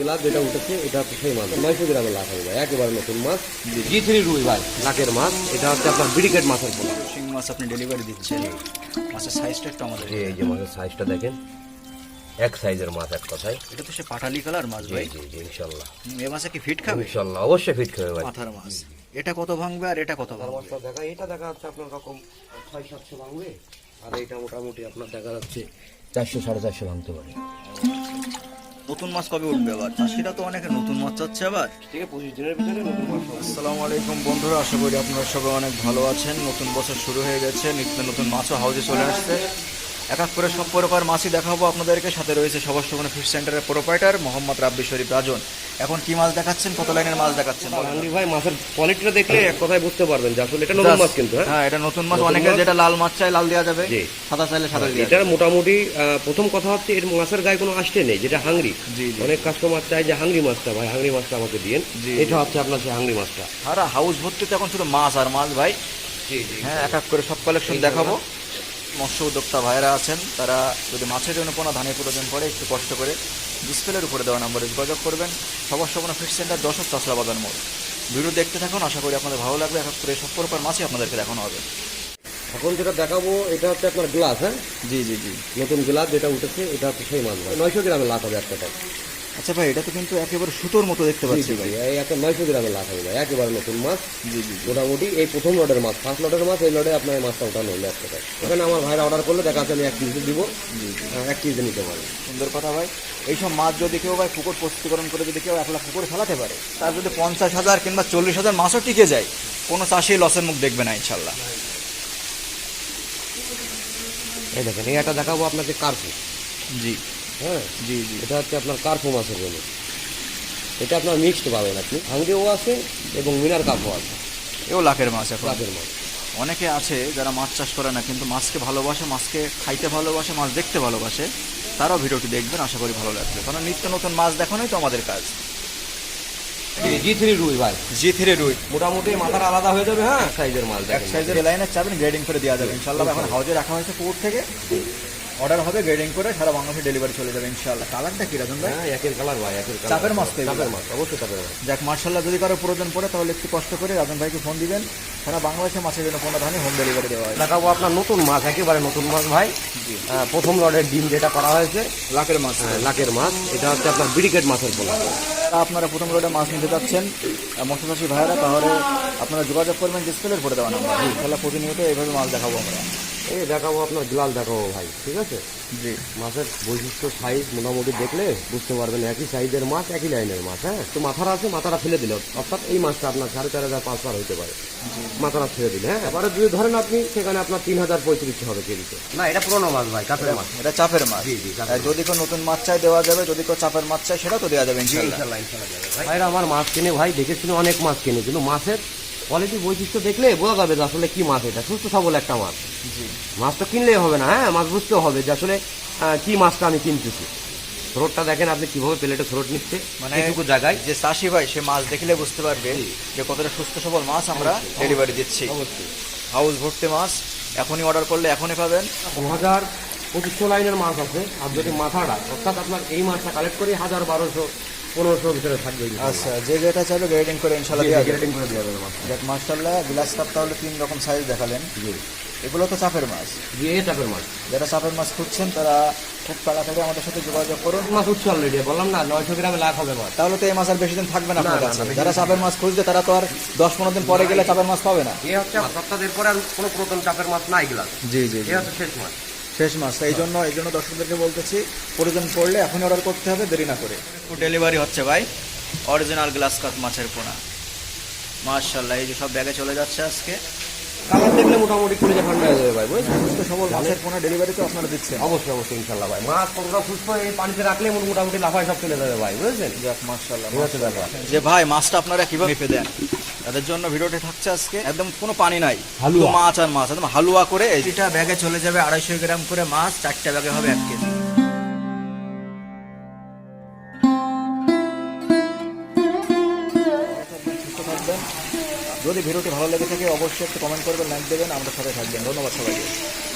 Glass যেটা উঠেছে এটা হচ্ছে সেই মাছ 900 গ্রামের লাখ হবে ভাই, একেবারে নতুন মাছ G3 রুই ভাই, লাখের মাছ। এটা হচ্ছে আপনার ব্রিকেট মাছের পোনা। শিং মাছ আপনি ডেলিভারি দিচ্ছেন, মাছের সাইজটা একটু আমাদের। এই যে মাছের সাইজটা দেখেন, এক সাইজের মাছ এক কথায়। এটা তো সে পাটালি কালার মাছ ভাই। জি জি ইনশাআল্লাহ। এ মাছে কি ফিট খাবে? ইনশাআল্লাহ অবশ্যই ফিট খাবে ভাই। মাথার মাছ এটা কত ভাঙবে আর এটা কত ভাঙবে? মাছটা দেখা, এটা দেখা যাচ্ছে আপনার রকম 600-700 ভাঙবে, আর এটা মোটামুটি আপনার দেখা যাচ্ছে 400-450 ভাঙতে পারে। নতুন মাছ কবে উঠবে আবার? চাষিরা তো অনেকে নতুন মাছ চাচ্ছে আবার। ঠিক আছে, 25 দিনের ভিতরে নতুন মাছ হবে। আসসালামু আলাইকুম বন্ধুরা, আশা করি আপনারা সবাই অনেক ভালো আছেন। নতুন বছর শুরু হয়ে গেছে, নিত্য নতুন মাছও হাউজে চলে আসছে। এক এক করে সব প্রকার মাছই দেখাবো আপনাদেরকে। সাথে রয়েছে সবার সুবর্ণ ফিশ সেন্টারের প্রোপাইটার মোহাম্মদ রাব্বি শরীফ রাজন। এখন কি মাছ দেখাচ্ছেন, কত লাইনের মাছ দেখাচ্ছেন? আন্দি ভাই মাছের কোয়ালিটিটা দেখলে এক কথায় বুঝতে পারবেন যে আসলে এটা নতুন মাছ কিন্তু। হ্যাঁ এটা নতুন মাছ। অনেকে যেটা লাল মাছ চাই লাল দেওয়া যাবে, জি। সাদা চাইলে সাদা দেওয়া যাবে। এটার মোটামুটি প্রথম কথা হচ্ছে এর মাছের গায়ে কোনো আসতে নেই, যেটা হাংরি। জি, জি। অনেক কাস্টমার চাই যে হাংরি মাছটা ভাই, হাংরি মাছটা আমাকে দিন। জি, এটা হচ্ছে আপনার সেই হাংরি মাছটা। আর হাউস ভর্তি তো এখন শুধু মাছ আর মাছ ভাই। জি জি হ্যাঁ এক এক করে সব কালেকশন দেখাবো। মৎস্য উদ্যোক্তা ভাইরা আছেন, তারা যদি মাছের জন্য কোনো ধানের প্রয়োজন পড়ে একটু কষ্ট করে ডিসপ্লের উপরে দেওয়া নাম্বারে যোগাযোগ করবেন। সবার সুবর্ণ ফিশ সেন্টার 10 চাষরা বাজার মোড়। ভিডিও দেখতে থাকুন, আশা করি আপনাদের ভালো লাগবে। এক এক করে সব প্রকার মাছই আপনাদেরকে দেখানো হবে। এখন যেটা দেখাবো এটা হচ্ছে আপনার গ্লাস। হ্যাঁ জি জি জি। নতুন গ্লাস যেটা উঠেছে এটা হচ্ছে সেই মাছ ভাই, 900 গ্রামের লাখ হবে একটা টাকা। আচ্ছা ভাই, এটা তো কিন্তু একেবারে সুতোর মতো দেখতে পাচ্ছি ভাই। এই একটা 900 গ্রামের লাখ হবে ভাই, একেবারে নতুন মাছ। জি জি। মোটামুটি এই প্রথম লটের মাছ, ফার্স্ট লটের মাছ, এই লটে আপনার এই মাছটা ওঠানো হলো একটা টাকা। এখানে আমার ভাইরা অর্ডার করলে দেখা যাচ্ছে আমি 1 কেজি দিব, 1 কেজি নিতে পারি। সুন্দর কথা ভাই। এইসব মাছ যদি কেউ ভাই পুকুর প্রস্তুতিকরণ করে যদি কেউ 1 লাখ পুকুরে ফেলাতে পারে, তার যদি 50,000 কিংবা 40,000 মাছও টিকে যায়, কোনো চাষি লসের মুখ দেখবে না ইনশাল্লাহ। এই দেখেন, এই একটা দেখাবো আপনাকে কার্পু। জি হ্যাঁ জি জি। এটা হচ্ছে আপনার কার্পু মাছের জন্য। এটা আপনার মিক্সড পাবেন আপনি, হাঙ্গেও আছে এবং মিনার কাপও আছে। এও লাখের মাছ এখন। লাখের মাছ। অনেকে আছে যারা মাছ চাষ করে না কিন্তু মাছকে ভালোবাসে, মাছকে খাইতে ভালোবাসে, মাছ দেখতে ভালোবাসে, তারাও ভিডিওটি দেখবেন, আশা করি ভালো লাগবে। কারণ নিত্য নতুন মাছ দেখানোই তো আমাদের কাজ। G3 রুই ভাই, G3 রুই মোটামুটি মাথার আলাদা হয়ে যাবে। হ্যাঁ সাইজের মাছ এক দেখেন। সাইজের লাইনে চাবেন, গ্রেডিং করে দেওয়া যাবে ইনশাল্লাহ। এখন হাউজে রাখা হয়েছে পুকুর থেকে, অর্ডার হবে, গ্রেডিং করে সারা বাংলাদেশে ডেলিভারি চলে যাবে ইনশাল্লাহ। কালারটা কি রাজন ভাই? হ্যাঁ একের কালার ভাই, একের কালার। চাপের মাছ তো এগুলো? চাপের মাছ, অবশ্যই চাপের মাছ। যাক মার্শাল্লাহ, যদি কারো প্রয়োজন পড়ে তাহলে একটু কষ্ট করে রাজন ভাইকে ফোন দিবেন। সারা বাংলাদেশে মাছের জন্য 15 ধানে হোম ডেলিভারি দেওয়া হয়। দেখাবো আপনার নতুন মাছ, একেবারে নতুন মাছ ভাই। প্রথম লটের ডিম যেটা করা হয়েছে, লাখের মাছ। লাখের মাছ। এটা হচ্ছে আপনার ব্রিকেট মাছের পোনা। আপনারা প্রথম রোডে মাছ নিতে যাচ্ছেন মৎস্যচাষী ভাইরা, তাহলে আপনারা যোগাযোগ করবেন ডিসপ্লের করে দেওয়া নাম্বার। তাহলে প্রতিনিয়ত এইভাবে মাছ দেখাবো আমরা। এই দেখাবো আপনার গ্লাস দেখাবো ভাই, ঠিক আছে। জি। মাছের বৈশিষ্ট্য সাইজ মোটামুটি দেখলে বুঝতে পারবেন একই সাইজের মাছ, একই লাইনের মাছ। হ্যাঁ তো মাথারা আছে, মাথাটা ফেলে দিল, অর্থাৎ এই মাছটা আপনার 4,500-5,000 হইতে পারে মাথাটা ফেলে দিলে। হ্যাঁ এবারে যদি ধরেন আপনি, সেখানে আপনার 3,035 হবে কেজিতে। না এটা পুরোনো মাছ ভাই, চাপের মাছ। এটা চাপের মাছ। জি জি। আর যদি কেউ নতুন মাছ চাই দেওয়া যাবে, যদি কেউ চাপের মাছ চাই সেটাও তো দেওয়া যাবে ইনশাল্লাহ। ভাইরা আমার মাছ কিনে ভাই, দেখেছিল অনেক মাছ কিনে, কিন্তু মাছের কোয়ালিটি বৈশিষ্ট্য দেখলে বোঝা যাবে যে আসলে কি মাছ এটা, সুস্থ সবল একটা মাছ। জি। মাছ তো কিনলেই হবে না, হ্যাঁ মাছ বুঝতেও হবে যে আসলে কি মাছটা আমি কিনতেছি। থ্রোটটা দেখেন আপনি কিভাবে প্লেটে থ্রোট নিচ্ছে, মানে এইটুকু জায়গায়। যে চাষি ভাই সে মাছ দেখলে বুঝতে পারবে যে কতটা সুস্থ সবল মাছ আমরা ডেলিভারি দিচ্ছি। অবশ্যই হাউস ভর্তি মাছ, এখনই অর্ডার করলে এখনই পাবেন। 2,000-2,500 লাইনের মাছ আছে। আর যদি মাথাটা, অর্থাৎ আপনার এই মাছটা কালেক্ট করি 1,000-1,200-1,500 ভিতরে থাকবে। আচ্ছা, যে যেটা চাইবে গ্রেডিং করে ইনশাল্লাহ দেওয়া যাবে। গ্রেডিং করে দেওয়া যাবে মাছ। দেখ মাশাআল্লাহ, গ্লাস কাপ তাহলে 3 রকম সাইজ দেখালেন। জি এগুলো তো চাপের মাছ। জি, এই চাপের মাছ। যারা চাপের মাছ খুঁজছেন তারা খুব তাড়াতাড়ি আমাদের সাথে যোগাযোগ করুন। মাছ উঠছে অলরেডি, বললাম না 900 গ্রামে লাখ হবে মাছ। তাহলে তো এই মাছ আর বেশি দিন থাকবে না আপনার না, কাছে। না, বেশি যারা দিন চাপের মাছ খুঁজবে তারা তো আর 10-15 দিন পরে গেলে চাপের মাছ পাবে না। এই হচ্ছে সপ্তাহের পরে আর কোনো পুরাতন চাপের মাছ নাই গ্লাস। জি জি। এই হচ্ছে শেষ মাছ। শেষ মাছ। এই জন্য দর্শকদেরকে বলতেছি, প্রয়োজন পড়লে এখনই অর্ডার করতে হবে, দেরি না করে। ডেলিভারি হচ্ছে ভাই, অরিজিনাল গ্লাস কাপ মাছের পোনা মাশাআল্লাহ। এই যে সব ব্যাগে চলে যাচ্ছে আজকে। কালার দেখলে মোটামুটি কুড়ি ঠান্ডা হয়ে যাবে ভাই, বুঝছেন। সুস্থ সবল মাছের পোনা ডেলিভারি তো আপনারা দিচ্ছেন। অবশ্যই অবশ্যই ইনশাল্লাহ ভাই। মাছ কতটা সুস্থ এই পানিতে রাখলে মোটামুটি লাফায় সব চলে যাবে ভাই, বুঝেছেন। যাক মাশাআল্লাহ। এই হচ্ছে ব্যাপার। যে ভাই মাছটা আপনারা কিভাবে মেপে দেন, তাদের জন্য ভিডিওটি থাকছে আজকে। একদম কোনো পানি নাই, হালুয়া। শুধু মাছ আর মাছ, একদম হালুয়া করে। এইটা ব্যাগে চলে যাবে 250 গ্রাম করে মাছ, 4টা ব্যাগে হবে 1 কেজি। সুস্থ থাকবেন। যদি ভিডিওটি ভালো লেগে থাকে অবশ্যই একটু কমেন্ট করবেন, লাইক দেবেন, আমাদের সাথে থাকবেন। ধন্যবাদ সবাইকে।